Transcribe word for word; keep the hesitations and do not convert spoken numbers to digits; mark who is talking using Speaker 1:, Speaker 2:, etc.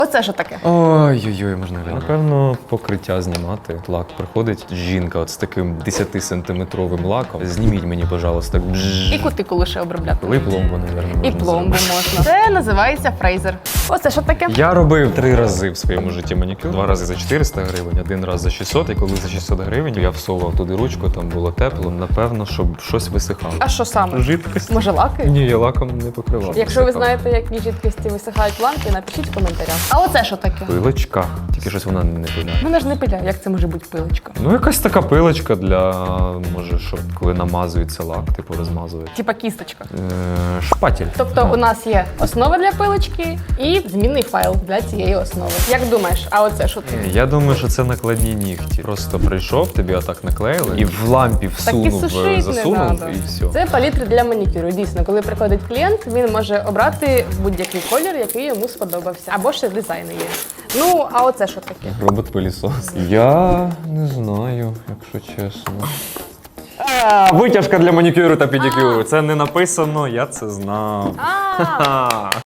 Speaker 1: Оце що таке?
Speaker 2: Ой-ой-ой, можна глянути. Напевно, покриття знімати. Лак приходить жінка от з таким десятисантиметровим лаком. Зніміть мені, пожалуйста. Бжж.
Speaker 1: І кутикулу ще обробляти.
Speaker 2: Коли пломбу, мабуть, можна
Speaker 1: І пломбу
Speaker 2: зробити.
Speaker 1: можна. Це називається фрейзер. Оце що таке?
Speaker 2: Я робив три рази в своєму житті манікюр. Два рази за чотириста гривень, один раз за шістсот. І коли за шістсот гривень я всовував туди ручку, там було тепло. Напевно, щоб щось висихало.
Speaker 1: А що саме?
Speaker 2: Жидкость?
Speaker 1: Може лаки?
Speaker 2: Ні, я лаком не покривав.
Speaker 1: Якщо ви
Speaker 2: Висихало.
Speaker 1: знаєте, які жидкості висихають ламки, напишіть в коментарях. А оце що таке?
Speaker 2: Пилочка. Тільки щось вона не пиляє.
Speaker 1: Вона ж не пиляє, як це може бути пилочка?
Speaker 2: Ну, якась така пилочка для, може, щоб коли намазується лак, типу розмазується.
Speaker 1: Типа кісточка.
Speaker 2: Е, шпатель.
Speaker 1: Тобто у нас є основа для пилочки і змінний файл для цієї основи. Як думаєш, а оце що таке?
Speaker 2: Я думаю, що це накладні нігті. Просто прийшов, тобі отак наклеїли і в лампі всунув,
Speaker 1: сушить не
Speaker 2: засунув
Speaker 1: надо.
Speaker 2: і все.
Speaker 1: Це палітри для манікюру. Дійсно, коли приходить клієнт, він може обрати будь-який колір, який йому сподобався. Або ще дизайни є. Ну, а оце що таке?
Speaker 2: Робот-пилісос. Я не знаю, якщо чесно. А, витяжка для манікюру та педикюру. Це не написано, я це знав.
Speaker 1: А,